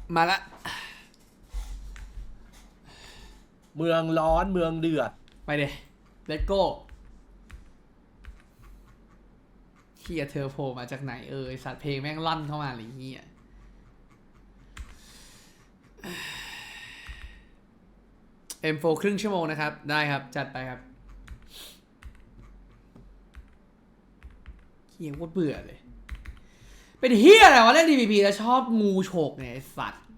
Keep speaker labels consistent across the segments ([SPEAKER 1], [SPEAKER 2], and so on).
[SPEAKER 1] มาละ
[SPEAKER 2] เมืองร้อนเมืองเดือด
[SPEAKER 1] ไปเดเลตโก้เฮียเธอโผล่มาจากไหนสัตว์เพลงแม่งลั่นเข้ามาหรือเฮียM4 ครึ่งชั่วโมงนะครับได้ครับจัดไปครับเฮียโคตรเบื่อเลยเป็นเฮียอะไรวะเล่น DPP แล้วชอบงูฉกเนี่ยไอ้สัตว์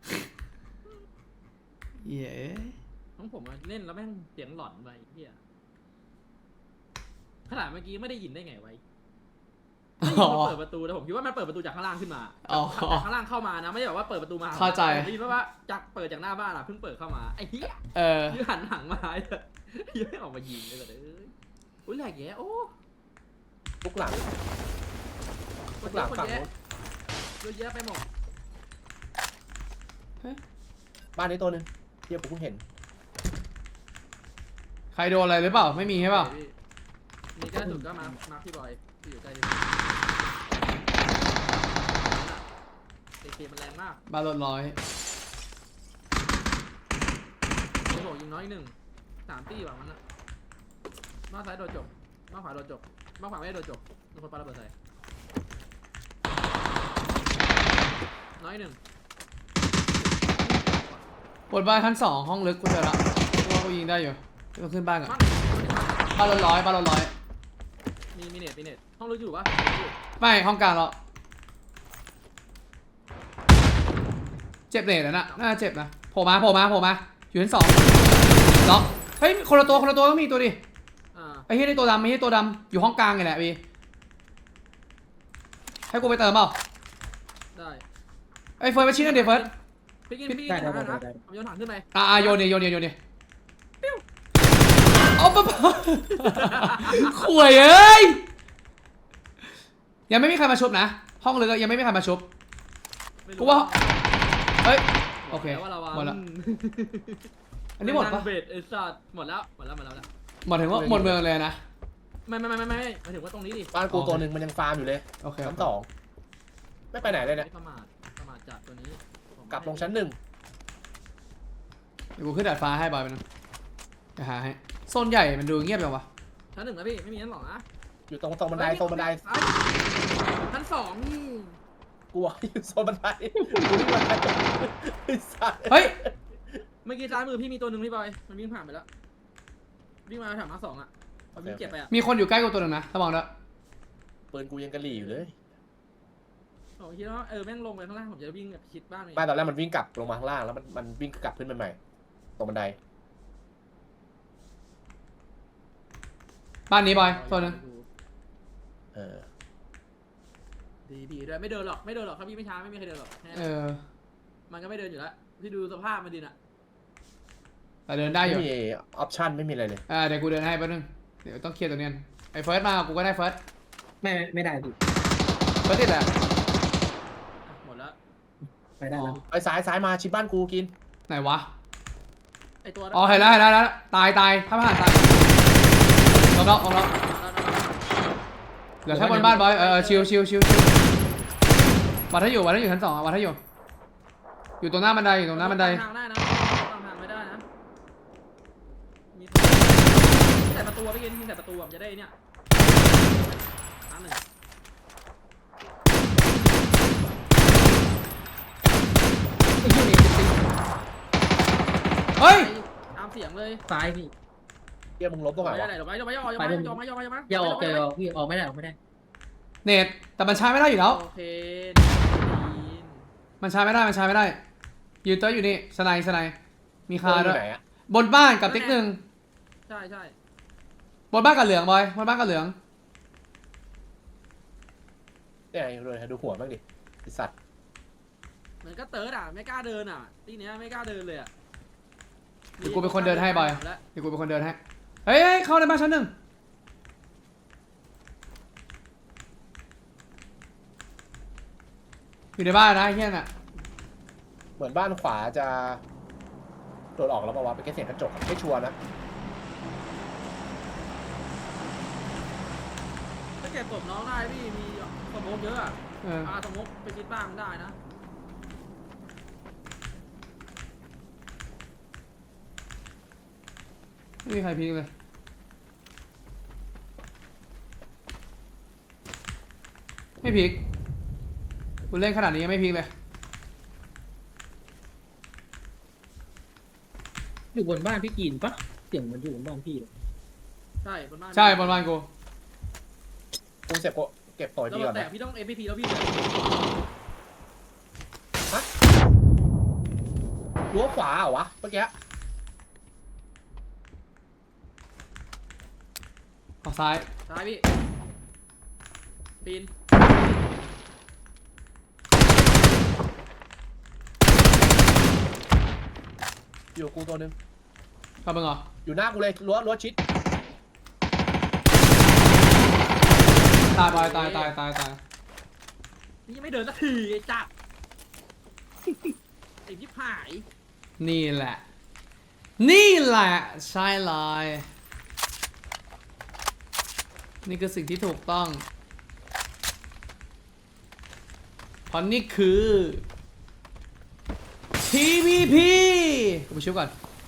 [SPEAKER 1] เย้
[SPEAKER 3] ของผมเล่นแล้วแม่งเสียงหลอนไปเฮียขนาดเมื่อกี้ไม่ได้ยินได้ไงไว้ไม่ยินมันเปิดประตูแต่ผมคิดว่ามันเปิดประตูจากข้างล่างขึ้นมาจากข้างล่างเข้ามานะไม่ได้แบบว่าเปิดประตูมา
[SPEAKER 1] เข้าใจ
[SPEAKER 3] ผมคิดว่าจากเปิดจากหน้าบ้านเพิ่งเปิดเข้ามาไอ้เหี้ยยืนหันหลังมายืนไม่ออกมายิงเลยแต่อุ้ยแหลกแย่โอ้
[SPEAKER 2] ทุกหลังทุกหลังฝั่งนู้น
[SPEAKER 3] เยอะแยะไปหมด
[SPEAKER 2] บ้านนี้ตัวนึงเดี๋ยวผมเพิ่งเห็น
[SPEAKER 1] ใครโดนอะไรหรือเปล่าไม่มีใช่เปล่า
[SPEAKER 3] มีใกล้สุดก็มาพี่บอยที่อยู่ใกล้ที่เกมมันแรงมาก
[SPEAKER 1] บาลร้อย
[SPEAKER 3] โอ้โหยิงน้อยหนึ่ง3 ตีแบบนั้นนะมาซ้ายโดนจบมาขวาโดนจบมาขวาไม่ได้โดนจบโดนคนปาระเบิดใส่น้อยหนึ่ง
[SPEAKER 1] บนบ้านชั้น2ห้องลึกกูเจอละว่ากูยิงได้อยู่ก็ขึ้นบ้านก่อนบาลร้อย
[SPEAKER 3] มีเน็ตห้องลึกอยู่ปะ
[SPEAKER 1] ไม่ห้องกลางเราเจ็บเน็ตแล้วน่าเจ็บนะโผล่มาอยู่ชั้น2ล็อกเฮ้ยคนละตัวต้องมีตัวดิไอ้เหี้ยนี่ตัวดำอยู่ห้องกลางไงแหละพี่ให้กูไปเติมเปล่า
[SPEAKER 3] ได้
[SPEAKER 1] ไอ้เฟิร์สไปชิ้นนึงเดี๋ยวเฟิร์ส
[SPEAKER 3] พี่กินถังนะผมโยนถังขึ้นไป
[SPEAKER 1] โยนดิเอาปะข่วยเอ้ยยังไม่มีใครมาชุบนะห้องเลยก็ยังไม่มีใครมาชุบกูว่าเฮ้ยโอเคหมดแล้วอันนี้หมดปะ
[SPEAKER 3] เบสไอ้สัตว์หมดแล้วหมด
[SPEAKER 1] ถึงว่าหมดเมืองเลยนะ
[SPEAKER 3] ไม่หมายถึงว่าตรงนี้ดิ
[SPEAKER 2] บ้านกูตัวหนึ่งมันยังฟาร์มอยู่เลย
[SPEAKER 1] โอเค
[SPEAKER 2] ชั้น2ไม่ไปไหนเลยเนี่ย
[SPEAKER 3] ประมาทจัดตัวนี้
[SPEAKER 2] กลับลงชั้น1
[SPEAKER 1] เดี๋ยวกูขึ้นดาดฟ้าให้บอยไปนึงจะหาให้โซนใหญ่มันดูเงียบจังวะ
[SPEAKER 3] ชั้น 1นะพี่ไม่มีชั้น 2นะ
[SPEAKER 2] อยู่ตรงบันได
[SPEAKER 3] ชั้น 2นี่
[SPEAKER 2] กูอยู่โซนบันได
[SPEAKER 1] เฮ้ย
[SPEAKER 3] เมื่อกี้ซ้ายมือพี่มีตัวหนึ่งพี่บอยมันวิ่งผ่านไปแล้ววิ่งมาแถวมา2อ่ะเขาวิ่งเก็บไปอ่ะ
[SPEAKER 1] มีคนอยู่ใกล้กูตัวหนึ่งนะระวังด้วย
[SPEAKER 2] ปืนกูยังกระหลี่อยู่เลย
[SPEAKER 3] ผมคิดว่าแม่งลงไปข้างล่างผมจะวิ่งแบบชิดบ้าน
[SPEAKER 2] ตอนแรกมันวิ่งกลับลงมาข้างล่างแล้วมันวิ่งกลับขึ้นไปใหม่ตรงบันได
[SPEAKER 1] บ้านนี้บอยตัวนึง
[SPEAKER 3] ดีด้วยไม่เดินหรอกครับพี่ไม่ช้าไม่มีใครเดินหรอกมันก็ไม่เดินอยู่แล้วที่ดูสภาพมันดีน่ะ
[SPEAKER 1] แต่เดินได้อยู่
[SPEAKER 2] ไม่มีออปชั่นไม่มีอะไรเลย
[SPEAKER 1] เดี๋ยวกูเดินให้แป๊บนึงเดี๋ยวต้องเคลียร์ตัวนี้ไอ้เฟิร์สมากูก็ได้เฟิร์ส
[SPEAKER 4] ไม่ได้ดิ
[SPEAKER 1] เฟิร์สติดแหละ
[SPEAKER 3] หมดแล้ว
[SPEAKER 4] ไปได้แล้ว
[SPEAKER 2] ไปซ้ายมาชิดบ้านกูกิน
[SPEAKER 1] ไหนวะ
[SPEAKER 3] ไอตัว
[SPEAKER 1] เห็นแล้วตายถ้าผ่านตายลงแล้วเหลือแค่บนบ้านบอยชิววัดให้อยู่ชั้น2วัดให้อยู่ตรงหน้าบันได
[SPEAKER 3] ทางได้นะทางไม่ได้นะมีแต่ประตูไปกินแต่ประตูผมจะได้เนี่ยครั้งหนึ่ง
[SPEAKER 1] เฮ้ย
[SPEAKER 3] ตามเสียงเลย
[SPEAKER 4] ซ้ายพี่
[SPEAKER 2] เกี่ยมึงลบตรงไหนวะ
[SPEAKER 3] อย่าออก
[SPEAKER 4] พี่ออกไม่ได้
[SPEAKER 1] เน็ตแต่มันใช้ไม่ได้อยู่แล้ว
[SPEAKER 3] โอเค
[SPEAKER 1] มันใช้ไม่ได้ยืนเตอร์อยู่นี่สไนมีคาด้วยบนบ้านกับติ๊กหนึ่ง
[SPEAKER 3] ใช่
[SPEAKER 1] บนบ้านกับเหลืองบอยบนบ้านกับเหลือง
[SPEAKER 2] เนี่ยเลยดูหัวบ้างดิไอสัตว์
[SPEAKER 3] เหมือนก็เติร์ดไม่กล้าเดินทีเนี้ยไม่กล้าเดินเลย
[SPEAKER 1] เดี๋ยวกูเป็นคนเดินให้บอยเดี๋ยวกูเป็นคนเดินให้เฮ้ยเข้าในบ้านชั้น 1อยู่ในบ้านนะเฮี้ยน่ะ
[SPEAKER 2] เหมือนบ้านขวาจะโดดออกแล้วป่าวะเป็นแค่เสียงกระจกไม่ชัวร์นะ
[SPEAKER 3] ถ้าเก็บศพน้องได้พี่มีสมมติเยอะสมมติไปคิดบ้างได้นะ
[SPEAKER 1] ไม่มีใครพีคเลยไม่พีคคุณเล่นขนาดนี้ยังไม่พีคเลย
[SPEAKER 4] อยู่บนบ้านพี่กินปะเสียงมันอยู่บนบ้านพี่เลย
[SPEAKER 3] ใช่บนบ้าน
[SPEAKER 1] ใช่บนบ้านกู
[SPEAKER 2] กูเสร็จกูเก็บต่อย
[SPEAKER 3] แล้ว
[SPEAKER 2] ดีก่อน
[SPEAKER 3] แต่
[SPEAKER 2] นะ
[SPEAKER 3] พี่ต้อง MVP แล้วพี่
[SPEAKER 2] รั้วขวาเหรอวะเมื่อกี้
[SPEAKER 1] ออกซ้าย
[SPEAKER 3] ซ้ายพี่ปีน
[SPEAKER 2] อยู่กูตัวนึง
[SPEAKER 1] เข้ามึงเหรอ
[SPEAKER 2] อยู่หน้ากูเลยรั้วชิด
[SPEAKER 1] ตายบอยตายตายตายตาย
[SPEAKER 3] นี่ยังไม่เดินสักทีไอ้จัดไอ้ที่หาย
[SPEAKER 1] นี่แหละ นี่แหละใช่เลยนี่คือสิ่งที่ถูกต้องเพราะนี่คือ PVP กูไปชิวก่อน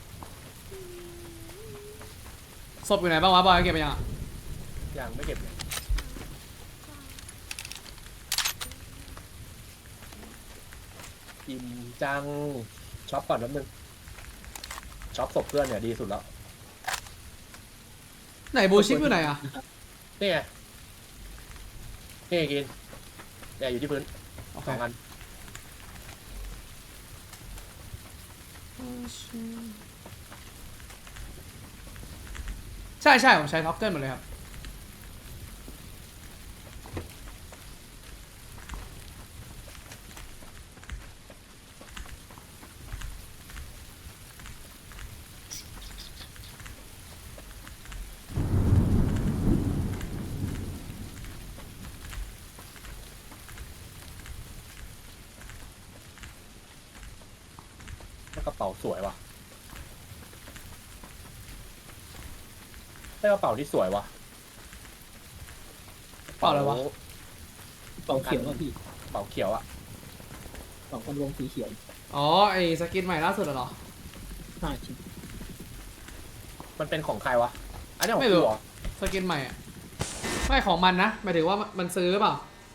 [SPEAKER 1] ศพอยู่ไหนบ้างวะบอยเก็บไปยังอะ
[SPEAKER 2] อย่างไม่เก็บเลยอิ่มจังช็อปก่อนแป๊บนึงช็อปศพเพื่อนเนี่ยดีสุดแล้ว
[SPEAKER 1] ไหนบูชิปอยู่ไหนอะ
[SPEAKER 2] นี่ไงนี่ไงกินเนี่ยอยู่ที่พื้น
[SPEAKER 1] โอเค
[SPEAKER 2] 2 อัน
[SPEAKER 1] ใช่ใช่ผมใช้ท็อกเกิลหมดเลยครับ
[SPEAKER 2] แล้วกระเป๋าสวยว่ะได้กระเป๋าที่สวยว่ะ
[SPEAKER 1] เปล่าอะไรวะ
[SPEAKER 4] เป่าเขียวอะพี่
[SPEAKER 2] กระเป๋าเขียวอะ
[SPEAKER 4] เป่าคนวงสีเขียว
[SPEAKER 1] อ๋อไอสกินใหม่ล่าสุดเหรอ
[SPEAKER 4] ใช่ใช่
[SPEAKER 2] มันเป็นของใครวะอันนี้ของ
[SPEAKER 1] ไม่
[SPEAKER 2] กู
[SPEAKER 1] รู้
[SPEAKER 2] เหรอ
[SPEAKER 1] สกินใหม่อะไม่ของมันนะหมายถึงว่ามันซื้อเปล่า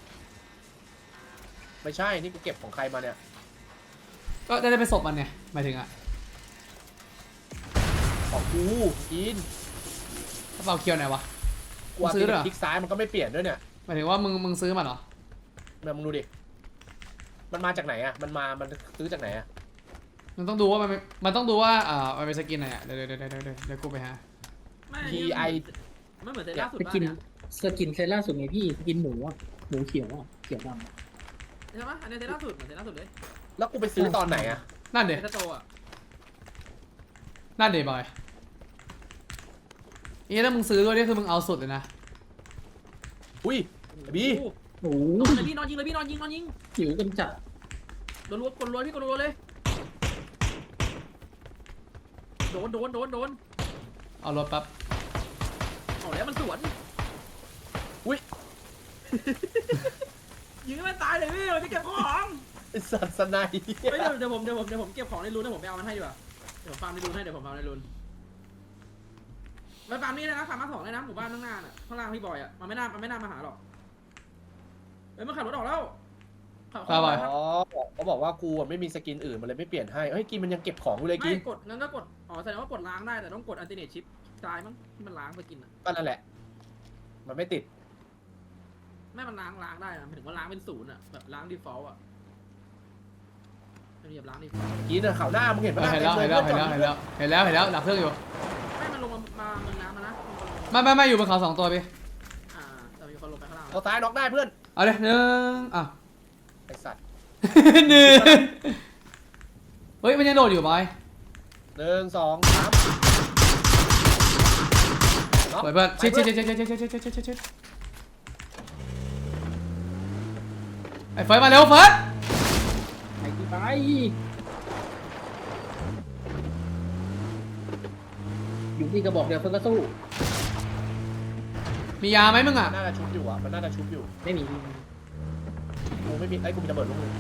[SPEAKER 2] ไม่ใช่นี่กูเก็บของใครมาเนี่ย
[SPEAKER 1] ก็ได้ไปศพมันเนี่ยหมายถึงอะ
[SPEAKER 2] ของกูกิน
[SPEAKER 1] กระเป๋าเคียวไหนวะ
[SPEAKER 2] กูเอา
[SPEAKER 1] ซื้อด้วยเหรอ
[SPEAKER 2] คลิกซ้ายมันก็ไม่เปลี่ยนด้วยเนี่ย
[SPEAKER 1] หมายถึงว่ามึงซื้อมันเหรอ
[SPEAKER 2] เนี่ยมึงดูดิมันมาจากไหนอะมันซื้อจากไหนอะ
[SPEAKER 1] มันต้องดูว่ามันต้องดูว่ามันเป็นสกินไหนอะเดี๋ยวกูไปหา
[SPEAKER 3] ไม่
[SPEAKER 2] TI
[SPEAKER 3] ไม่เหมือนเซตล่าสุด
[SPEAKER 4] ส
[SPEAKER 3] บ้า
[SPEAKER 4] กิน
[SPEAKER 3] เนี่ย
[SPEAKER 4] สกินเซตล่าสุดไงพี่สกินหมูอะหมูเขียวอะเขียวดำอะ
[SPEAKER 3] ใช่ไหมอันนี้เซตล่าสุดเหมือนเซตล่าสุดเลย
[SPEAKER 2] แล้วกูไปซื้อตอนไหนอะ
[SPEAKER 1] นั่นเดี๋ย
[SPEAKER 3] เซตโตอ่ะ
[SPEAKER 1] นั่นเดี๋ยวบอยนี่ถ้ามึงซื้อด้วยนี่คือมึงเอาสุดเลยนะ
[SPEAKER 2] อุ้ยไอ้บี
[SPEAKER 4] โอ้
[SPEAKER 3] นอน
[SPEAKER 4] ย
[SPEAKER 3] เลยพี่นอนยิงเลยพี่นอนยิง
[SPEAKER 4] หิวกันจัด
[SPEAKER 3] กดรัวพี่กดรัวเลยโดน
[SPEAKER 1] เอารถปั๊บ
[SPEAKER 3] เอาแล้วมันสวน
[SPEAKER 2] อุ้ย
[SPEAKER 3] ยิงให้มันตายเลยพี่เราจะเก็บของ
[SPEAKER 2] ไอ้สัตว์สไนป์
[SPEAKER 3] เฮ้ยเดี๋ยวผมเก็บของในรูนนะผมไปเอามันให้ดีกว่าเดี๋ยวผมฟาร์มในรูนให้เดี๋ยวผมฟาร์มในรูนไปฟาร์มนี่นะฟาร์มมา2เลยนะหมู่บ้านข้างหน้าน่ะข้างล่างพี่บอยอ่ะมันไม่น่ามาหาหรอกเฮ้ยมันขับรถออกแล้วขับ
[SPEAKER 2] อ๋อเขาบอกว่ากูอะไม่มีสกินอื่นมันเลยไม่เปลี่ยนให้เฮ้ยกินมันยังเก็บของกูเลยกิ
[SPEAKER 3] ไม่
[SPEAKER 2] น
[SPEAKER 3] กดงั้นก็กดอ๋อแสดงว่ากดล้างได้แต่ต้องกดอัลเทอร์เนทชิปซ้ายมั้งที่มันล้างไปกินอ่ะ
[SPEAKER 2] ก็นั่นแหละ มันไม่ติด
[SPEAKER 3] ไม่มันล้างได้นะหมายถึงว่าล้างเป็น0อ่ะแบบล้าง default อ่ะไม่เหยียบล้าง default
[SPEAKER 2] กินอะข่าวหน้ามึงเห็นปะ
[SPEAKER 1] เห็นแล้วดับเครื่องอยู่
[SPEAKER 3] ไม่มันลงมาเมืองน้ำมานะ
[SPEAKER 1] ไม่อยู่บนเขา2ตัวพี่
[SPEAKER 3] แต่มีคนลงไปข้างล่าง
[SPEAKER 2] เอาซ้ายน็อกได้เพื่อน
[SPEAKER 1] เอาเลยอ่ะ
[SPEAKER 2] ไอสัตว์
[SPEAKER 1] หนึ่งเฮ้ยมันยังโดดอยู่บอย
[SPEAKER 2] 1 2 3
[SPEAKER 1] เปิดเปิดชิดไอ้เฟิร์สมาเร็วเฟิร์ส
[SPEAKER 4] ไปที่ไปอยู่ที่กระบอกเดียวเพิ่งก็สู้
[SPEAKER 1] มียาไหมมึงอ่ะ
[SPEAKER 2] น่าจะชุบอยู่อ่ะมันน่าจะชุบอยู่
[SPEAKER 4] ไม่มี
[SPEAKER 2] กูไม่มีไอ้กูมีระเบิดลูกนึง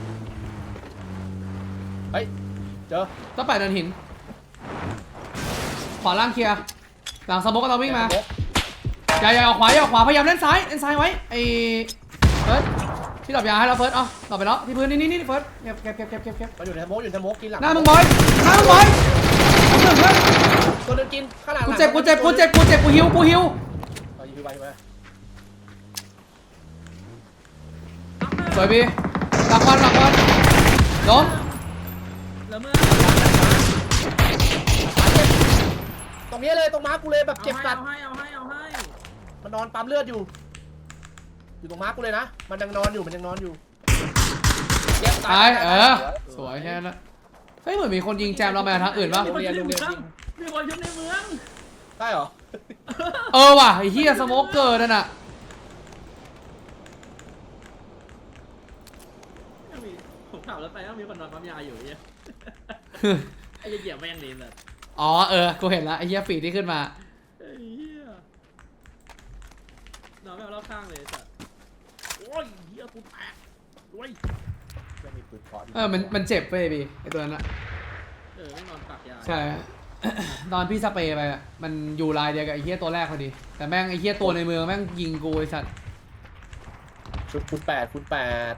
[SPEAKER 2] เฮ้ยเจอ
[SPEAKER 1] ต้องไปเดินหินขวาล่างเคลียร์หลังสมมติก็เราวิ่งมาอย่าออกขวาอย่าออกขวาพยายามเล่นซ้ายไว้ไอ้เฟิร์สที่ดรอปยาให้เราเฟิร์สอ๋อดรอปไปแล้วที่พื้นนี่เฟิร์สเก็บ
[SPEAKER 2] มันอยู่ในสโมกกินหลัง
[SPEAKER 1] หน้ามึงบอยหนึ่งเพื่อน
[SPEAKER 2] ตัวเดินกินข้างหลัง
[SPEAKER 1] กูเจ็บกูหิว
[SPEAKER 2] เอายิงไป
[SPEAKER 1] สวยพี่หลังบอลล้ม
[SPEAKER 3] แล้วเมื่อ
[SPEAKER 2] ตรงนี้เลยตรงม้ากูเลยแบบเจ็บสัตว์
[SPEAKER 3] เอาให้
[SPEAKER 2] มันนอนปั๊มเลือดอยู่ตรงม้ากูเลยนะมันยังนอนอยู่เจ็บ
[SPEAKER 1] ตายสวยแค่นั้นเฮ้ยเหมือนมีคนยิงแจมเราไปทางอื่นป่ะ
[SPEAKER 3] มีคนชุบในเมืองมีคนชุบในเมือง
[SPEAKER 2] ได้เหรอ
[SPEAKER 1] ว่ะไอ้เหี้ยสโมกเกอร์นั่นน่ะ
[SPEAKER 3] ผมขับรถไปแล้วมีคนนอนปั๊มยาอยู่เนี่ยไอ้เหยียบแม่งเลยแบบ
[SPEAKER 1] อ๋อกูเห็นแล้วไอ้เหี้ยฟีดที่ขึ้นมา
[SPEAKER 3] ไอ้เหี้ยนอนไม่เอารอบข้างเลยสัตว์โอ้ยเหี้ยกูแตกโอ้ย
[SPEAKER 2] ไม่มีปืนพอ
[SPEAKER 1] มันเจ็บเว้ยพี่ไอ้ตัวนั้นอะ
[SPEAKER 3] ไม่นอนปักยา
[SPEAKER 1] ใช่ ตอนพี่สเปรย์ไปอะมันอยู่ลายเดียวกับไอ้เหี้ยตัวแรกพอดีแต่แม่งไอ้เหี้ยตัวในเมืองแม่งยิงกูไอ้สัตว์
[SPEAKER 2] ชุดคุณแปด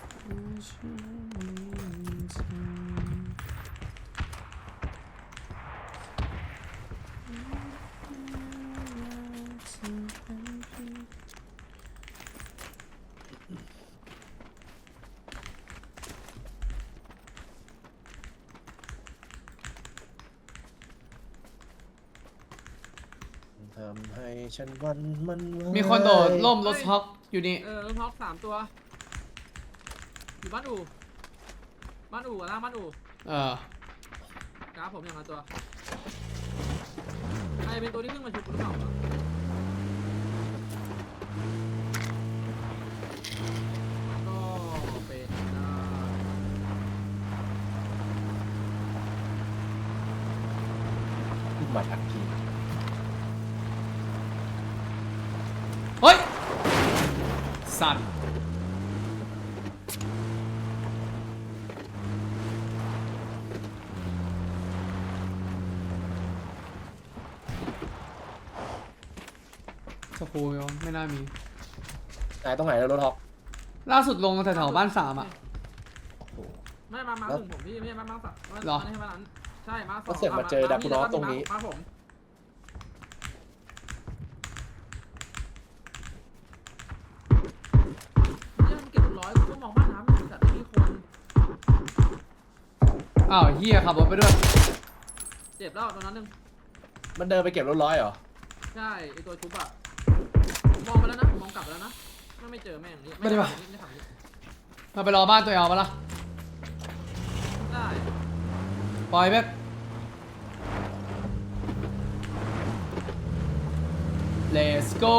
[SPEAKER 2] ทำให้ฉันวันมัน
[SPEAKER 1] มีคนโดดล่มรถท็อกอยู่นี่
[SPEAKER 3] รถท็อก3 ตัวอยู่บ้านอู่ล่างบ้านอู่กราฟผมอย่างละตัวใครเป็นตัวที่ขึ้นมาชุบหรือเปล่าก็เป็นได้
[SPEAKER 2] ขึ้นมาทันที
[SPEAKER 1] เฮ้ยสัตว์สกูยไม่น่ามี
[SPEAKER 2] ตรงไหนแล้วรถท็อก
[SPEAKER 1] ล่าสุดลงแถวๆบ้าน3อ่ะ
[SPEAKER 3] ไม่มาถึงผมพี่ไม่ใช่มาสัก
[SPEAKER 1] หรอ
[SPEAKER 3] ไม่ใช่มานั้นใช่มาสอง
[SPEAKER 2] ก็เสร็จมาเจอดากูนอสตรงนี้
[SPEAKER 3] มาผมเนี่ยมันเก็บ100กูก็มองบ้านน้ำอยู่แต่ไม่มีคน
[SPEAKER 1] อ้าวเฮียขับรถไปด้วย
[SPEAKER 3] เจ็บแล้วตอนนั้นนึง
[SPEAKER 2] มันเดินไปเก็บรถร้อยเหรอ
[SPEAKER 3] ใช่ไอตัวชุบอะมองไปแล้วนะมองกลับไปแล้วนะไม่เจอแม่งนี่ไม่ทำนี่
[SPEAKER 1] มาไปรอบ้านตัวเองปะล่ะ
[SPEAKER 3] ได้
[SPEAKER 1] ปล่อยเบ๊ก Let's go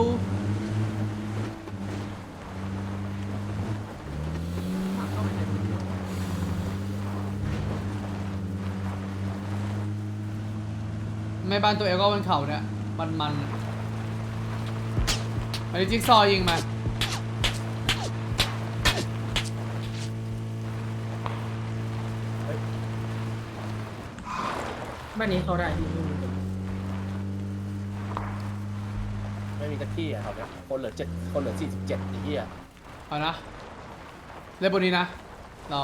[SPEAKER 3] เข้าไปในพื้นที่
[SPEAKER 1] ไม่บ้านตัวเองก็บนเขาเนี่ยมันอันนี้จิ๊กซอว์ยิงมา
[SPEAKER 4] บ้านนี้เขาได้พี่
[SPEAKER 2] ไม่มีสักที่อ่ะครับเนี่ยคนเหลือ47ไอ้เหี้ย
[SPEAKER 1] เอานะเล่นบนนี้นะเรา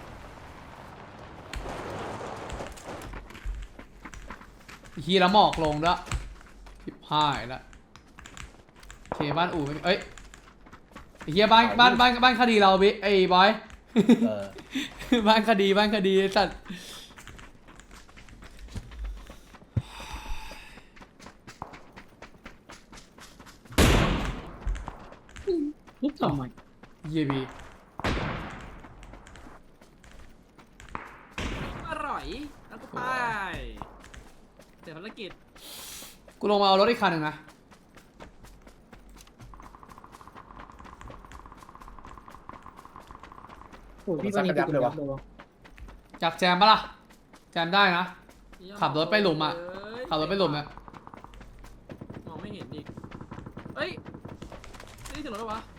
[SPEAKER 1] ฮีละหมอกลงด้วยผิดพลาดแล้วโอเคบ้านอู่ไม่มีเอ้ยไอ้เฮียบ้านคดีเราบิ๊ไอ้บอย บ้านคดีสัตว์
[SPEAKER 4] ลุกทำไม
[SPEAKER 1] เยียบี
[SPEAKER 3] อร่อยแล้วก็ไปเสร็จภารกิจ
[SPEAKER 1] กูลงมาเอารถอีกคันหนึ่งนะ
[SPEAKER 4] โอ้พี่บ้านนี้ติดเลยวะ
[SPEAKER 1] จับแจมปะล่ะแจมได้นะ ขับรถไปหลุมอะขับรถไปหลุมเนี่ย
[SPEAKER 3] มองไม่เห็นอีกเอ้ยนี่เสียงรถเหรอวะ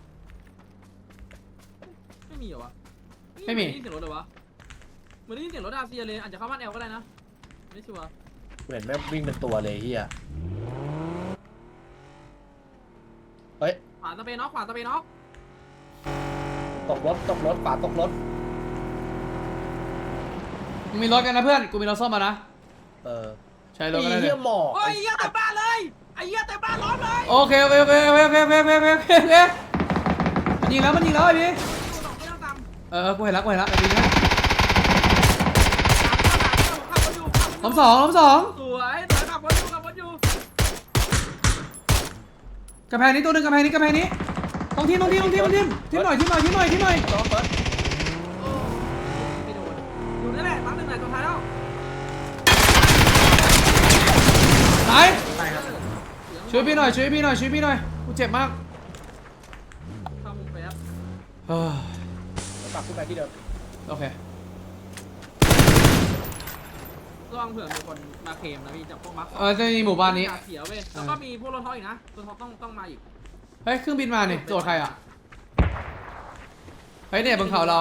[SPEAKER 3] ไม่มีเหรอวะได้ยินเสียงรถเหรอวะเหมือนได้ยินเสียงรถอาเซียเลยอาจจะเข้าบ้านแอลก็ได้นะไม่ชัวร์
[SPEAKER 2] เห็นแม่งวิ่งเป็นตัวเลยเฮียเฮ้ย
[SPEAKER 3] ขวาตะเปน็อกขวาตะเปน็อก
[SPEAKER 2] ตกรถขวาตกรถ
[SPEAKER 1] มึงมีรถกันนะเพื่อนกูมีรถส้มมานะ
[SPEAKER 2] เออ
[SPEAKER 1] ใช้รถกันได้เล
[SPEAKER 2] เฮี
[SPEAKER 1] ย
[SPEAKER 2] ยหมอก
[SPEAKER 3] โอ้ยเหี้ยเต็มบ้านเลยไอ้เหี้ยเต็มบ้านล้อมเลย
[SPEAKER 1] โอเคโอเคโอเคโอเคโอเคโอเคโอเคโอเคโอเคมันยิงแล้วไอ้พี่
[SPEAKER 3] ไม่ต้องตาม
[SPEAKER 1] กูเห็นแล้วไอ้พี่นะ
[SPEAKER 3] ขับรถอยู่
[SPEAKER 1] ล้มสอง
[SPEAKER 3] สวยขับรถอยู่
[SPEAKER 1] กระแพงนี้ตัวหนึ่งกระแพงนี้ต้องทีมหน่อย
[SPEAKER 2] น้องเฟิร์ส
[SPEAKER 1] ไม่โดน
[SPEAKER 3] อยู่นั่นแหละปั๊มหนึ่งไหนตัวท้ายแล้ว
[SPEAKER 1] ตาย
[SPEAKER 4] ตายครับ
[SPEAKER 1] ช่วยพี่หน่อยกูเจ็บมาก
[SPEAKER 3] เข้ามุมไปครับ
[SPEAKER 1] เฮ้ย
[SPEAKER 2] กลับขึ้นไปที่เดิม
[SPEAKER 1] โอเค
[SPEAKER 3] ระวังเผื่อมีคนมาเคลมนะพี่จากพวกมัก
[SPEAKER 1] จะมีหมู่บ้านนี้
[SPEAKER 3] เขียวเว้ยแล้วก็มีพวกรถท็อปอีกนะรถท็อปต้องมาอีก
[SPEAKER 1] เฮ้ยเครื่องบินมาเนี่ยโจทย์ใครอ่ะเฮ้ยเนี่ยบนเขาเรา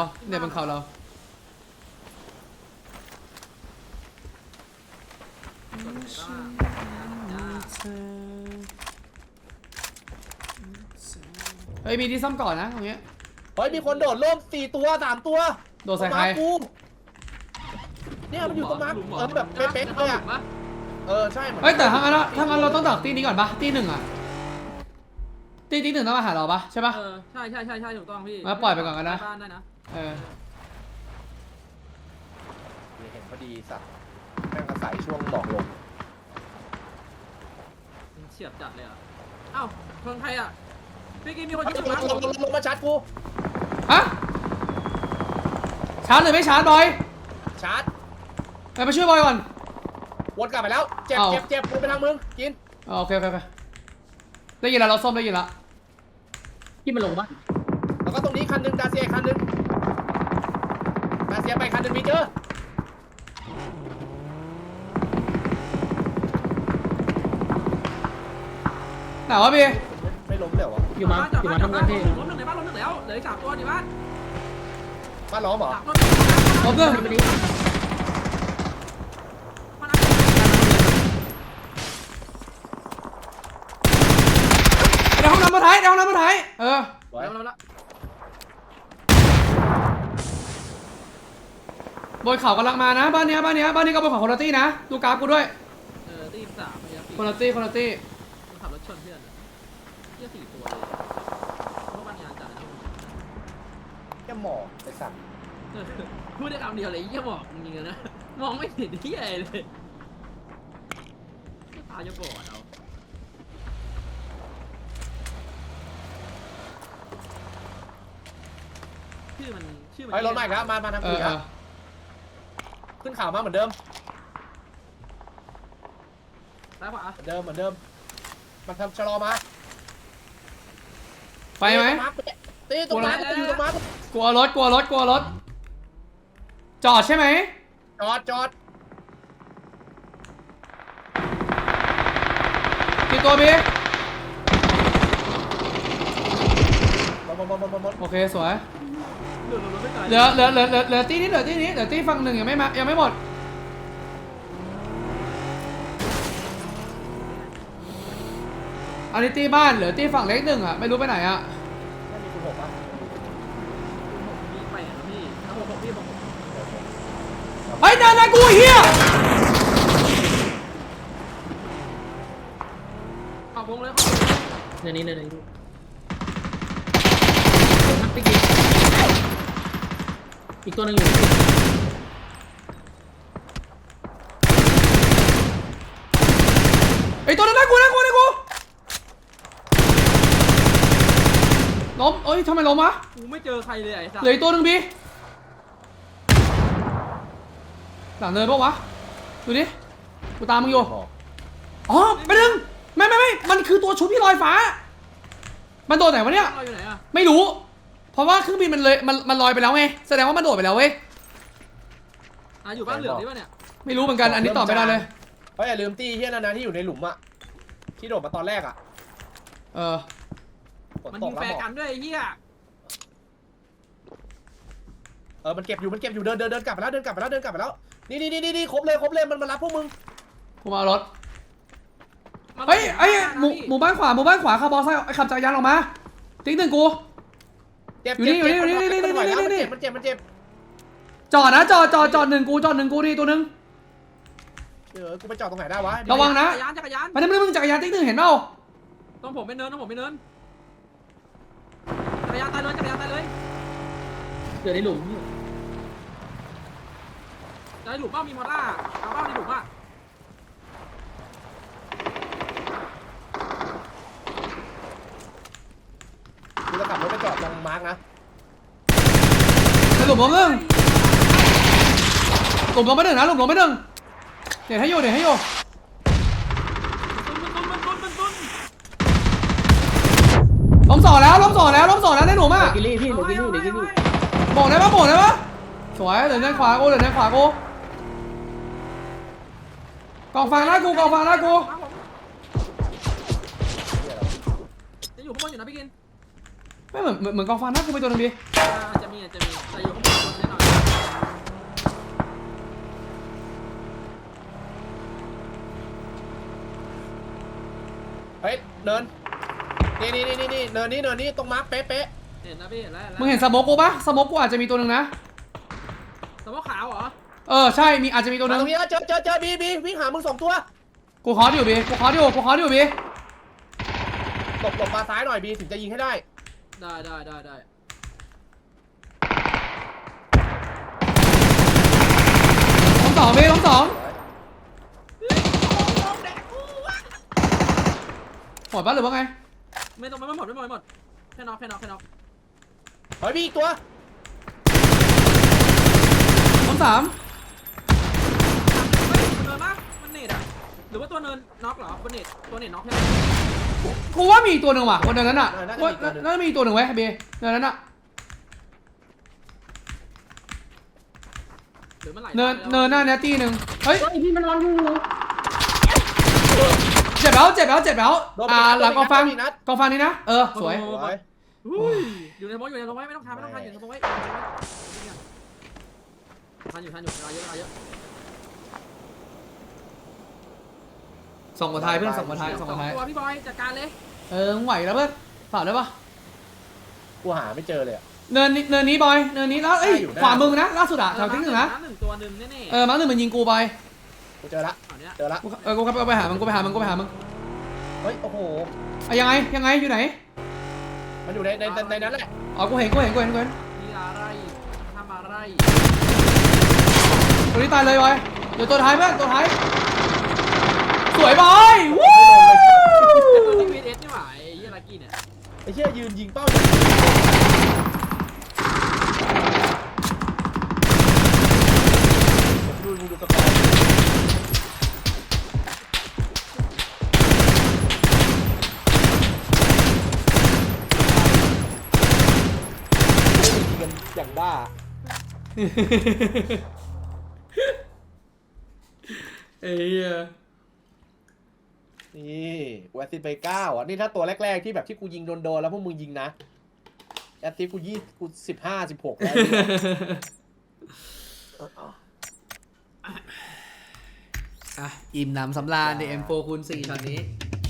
[SPEAKER 1] เฮ้ยมีที่ซ่อมก่อนนะตรงเนี้ย
[SPEAKER 2] เฮ้ยมีคนโดดร่ม4 ตัว 3 ตัว
[SPEAKER 1] โดดใส่ใคร
[SPEAKER 2] กูเนี่ยมันอยู่ตรงนั้นแบบเป๊ะๆเลยอ่ะใช่เหมือน
[SPEAKER 1] เฮ้ยแต่ถ้างั้นเราต้องดักตีนี้ก่อนปะตีหนึ่งอ่ะตีหนึ่งต้องมาหาเราปะใช่ปะ
[SPEAKER 3] ใช่ถูกต้องพี่
[SPEAKER 1] มาปล่อยไปก่อนกันนะ
[SPEAKER 3] บ้านได้นะ
[SPEAKER 2] เห็นพอดีสัตว์แม่งอาศัยช่วงหมอกลง
[SPEAKER 3] เฉียบจัดเลยอ่ะเอ้าคนไทยอ่ะพี่กินมีคนยิง
[SPEAKER 2] ลงมาชัดกู
[SPEAKER 1] ฮะชาร์จหรือไม่ชาร์จบอย
[SPEAKER 2] ชาร์จ
[SPEAKER 1] ไปช่วยบอยก่อน
[SPEAKER 2] วนกลับไปแล้วเจ็บวนไปทางมึงกิน
[SPEAKER 1] โอเคได้ยินแล้วเราส้มได้ยินแล้ว
[SPEAKER 4] ที่มันลงปะ
[SPEAKER 2] แล้วก็ตรงนี้คันนึงดาเซียคันนึงดาเซียไปคันนึงมีเจอ
[SPEAKER 1] ไหนวะพี่
[SPEAKER 2] ไม่ล้มเลยวะ
[SPEAKER 4] อยู่มาทำงานที่
[SPEAKER 3] ล้มหนึ่งในบ้านล้มหนึ่งแล้วเหลืออีก3 ตัวในบ้าน
[SPEAKER 2] บ้านล้อมเหรอ
[SPEAKER 3] 3 ตัว
[SPEAKER 1] ลบเรื่อง
[SPEAKER 3] มัน
[SPEAKER 1] ในห้องน้ำมาถ่าย
[SPEAKER 2] ไว้
[SPEAKER 3] แล้ว
[SPEAKER 1] บนเขากำลังมานะบ้านนี้ก็เป็นของคนละตี้นะดูกราฟกูด้วย
[SPEAKER 3] ตี3ไปครับ
[SPEAKER 1] คนละตี้
[SPEAKER 3] ขับรถชนเพื่อนเที่ย4 ตัวเลยเพราะบ้านงานจัดนะ
[SPEAKER 2] แค่หมอกไอ้สัตว์
[SPEAKER 3] พูดได้คำเดียวเลยยี่หมอกจริงๆนะมองไม่เห็นที่อะไรเลยตาจะบอดเอาชื่อมัน
[SPEAKER 2] ไอ้รถใหม่ครับมาทางกูครับขึ้นข่าวมาเหมือนเดิม
[SPEAKER 3] ซ้ายขวา
[SPEAKER 2] เหมือนเดิมมันทำชะลอมา
[SPEAKER 1] ไปไหม
[SPEAKER 2] ตีตรงมาอยู่ตรงมาก
[SPEAKER 1] ลัวรถจอดใช่ไหม
[SPEAKER 2] จอด
[SPEAKER 1] กี่ตัวพี่
[SPEAKER 2] หมด
[SPEAKER 1] โอเคสวย
[SPEAKER 3] ไม่ไกล
[SPEAKER 1] เหลือตี้นี้เหลือตี้ฝั่งหนึ่งยังไม่หมดอันนี้ตี้บ้านเหลือตี้ฝั่งเล็กหนึ่งอ่ะไม่รู้ไปไหนอ่ะ
[SPEAKER 2] ไม่มีคุณหกปะ
[SPEAKER 3] มี8นะพี่ถ้า6พี่ผม
[SPEAKER 1] เฮ้ยนากูเฮีย
[SPEAKER 3] เอาวงเลย
[SPEAKER 4] เดี๋ยวนี้พี่กินอีกตัวหนึ่งอยู่
[SPEAKER 1] ไอตัวนั้นน่ากลัวล้มเอ้ยทำไมล้มวะ
[SPEAKER 3] กูไม่เจอใครเลยไอ้สัส
[SPEAKER 1] เหลืออีกตัวหนึ่งบีหลังเนินปะวะดูดิกูตามมึงอยู่อ๋อไปดึงไม่มันคือตัวชุบที่ลอยฟ้ามันโดดไหนวะเนี่ย
[SPEAKER 3] เราอยู่ไหนอะ
[SPEAKER 1] ไม่รู้ เพราะว่าเครื่องบินมันลอยไปแล้วไงแสดงว่ามันโดดไปแล้วเว้ย
[SPEAKER 3] อยู่บ้านเหลืองนี่ป่ะเนี่ย
[SPEAKER 1] ไม่รู้เหมือนกันอันนี้ตอบไม่ได้เลย
[SPEAKER 2] เฮ้ยอย่าลืมตีเฮียนะที่อยู่ในหลุมอะที่โดดมาตอนแรกอะ
[SPEAKER 3] มันยิงแฟร์กันด้วยไอ้เหี้ย
[SPEAKER 2] มันเก็บอยู่เดินกลับไปแล้วนี่ครบเลยมันมารับพวกมึง
[SPEAKER 1] กูมาเอารถเฮ้ยไอ้หมู่บ้านขวาขับบอลไซค์ขับจักรยานออกมาติ๊กหนึ่งกู
[SPEAKER 2] เจ็บ
[SPEAKER 1] อยู่นี่
[SPEAKER 2] มันเจ็บ
[SPEAKER 1] จอดนะจอดหนึ่งกูดิตัวหนึ่ง
[SPEAKER 2] กูไปจอดตรงไหนได้วะ
[SPEAKER 1] ระวังนะ
[SPEAKER 3] จักรยาน
[SPEAKER 1] ไม่ได้มึงจักรยานติ๊กหนึ่งเห็นเปล่า
[SPEAKER 3] ต้องผมไปเนินจักรยานตายเลย
[SPEAKER 4] เดี๋ยวในหลุมพี่
[SPEAKER 3] ในหลุมเป้ามีมอต้าเอาเป้าในหลุมอ่ะ
[SPEAKER 2] กูจะขับรถไปจอดตรงมาร์กนะ
[SPEAKER 1] หลุมลงหนึ่งหลุมลงไปหนึ่งนะหลุมลงไปหนึ่งเดี๋ยวให้อยู่
[SPEAKER 3] ตุ้น
[SPEAKER 1] ล้มสองแล้วได้หนูมาก
[SPEAKER 4] กิลลี่พี่เดี๋ยวกิลลี่
[SPEAKER 1] โบกได้ปะสวยเหลือด้านขวากูกองฟางหน้ากู
[SPEAKER 3] จะอยู่ข้างบนอยู่นะพี่กิน
[SPEAKER 1] ไม่เหมือนกองฟางหน้ากูไปตัวนึงดิ
[SPEAKER 3] จะมีแต่อยู่ข้างบนแน่นอน
[SPEAKER 2] เฮ้ยเนินนี่เนินนี้ตรงมาร์กเป๊ะ
[SPEAKER 3] เห็นนะพี่เห็นแล้ว
[SPEAKER 1] มึงเห็นสโมกกูปะสโมกกูอาจจะมีตัวนึงนะ
[SPEAKER 3] สมมติขาวเหรอ
[SPEAKER 1] ใช่มีอาจจะมีตัวนึง
[SPEAKER 2] ตรงนี้เจอบีวิ่งหามึง2 ตัว
[SPEAKER 1] กูขออยู่บี
[SPEAKER 2] หลบมาซ้ายหน่อยบีถึงจะยิงให้ได้
[SPEAKER 3] ได้
[SPEAKER 1] ล้มสองบีล้มสองหมดปะหรือว่าไง
[SPEAKER 3] ไม่หมดแค่น็อก
[SPEAKER 2] เฮ้ยบีอีกตัว
[SPEAKER 1] ล้มสาม
[SPEAKER 3] เฮ้ยเนินมากมันเน็ตอ่ะหรือว่าตัวเนินน็อกเหรอบนเน็ตตัวเน็ตน็อกใช่ไหม
[SPEAKER 1] กูว่ามีอีกตัวหนึ่งว่ะคนเดินนั้นน่ะน่าจะมีอีกตัวหนึ่งไว้บีเดินนั้นน่ะ
[SPEAKER 3] หรือมันไหล
[SPEAKER 1] เนินหน้าเนี้ยตีหนึ่งเฮ้ย
[SPEAKER 4] พี่มันนอนอยู่
[SPEAKER 1] เจ็บแล้วหลังกองฟางนี่นะสวย
[SPEAKER 3] อยู่ในสมองไม่ต้องทำอยู่ในสมองไว้ทันอยู่เวลาเยอะ
[SPEAKER 1] ส่งกว่าไทยเพื่อนส่งกว่าไทย
[SPEAKER 3] ตัวพี่บอยจัดการเลย
[SPEAKER 1] มึงไหวแล้วเพื่อนฝากได้ปะ
[SPEAKER 2] กูหาไม่เจอเลย
[SPEAKER 1] เนินนี้บอยเนินนี้แล้วเอ้ยขวามึงนะล่าสุดอะแถวทิ้งหนึ่งนะ
[SPEAKER 3] ตัวหนึ่งแน่ๆ
[SPEAKER 1] มั้งหนึ่งมันยิงกูไป
[SPEAKER 2] กูเจอละ
[SPEAKER 1] กูไปหามึง
[SPEAKER 2] เฮ้ยโอ้โห
[SPEAKER 1] ยังไงอยู่ไหน
[SPEAKER 2] มันอยู่ในนั้นแหละ
[SPEAKER 1] กูเห็น
[SPEAKER 3] มีอะไรทำอะไร
[SPEAKER 1] ตัวนี้ตายเลยบอยเดี๋ยวตัวท้ายเพื่อนตัวท้ายสวยบอยวู้
[SPEAKER 3] ตัวที่VSนี่หว่าไอ้ยี่ลักกี้เนี่ย
[SPEAKER 2] ไอ้เชี่ยยืนยิงเป้าดูสกอร์อย่างบ้า
[SPEAKER 1] เอ้ย
[SPEAKER 2] นี่กูแอสซิสต์ไป9อ่ะนี่ถ้าตัวแรกๆที่แบบที่กูยิงโดนแล้วพวกมึงยิงนะแอสซิสต์กู15-16แล้ว
[SPEAKER 1] อิ่มหนำสำราญใน M4 คูณ4ช็อตนี้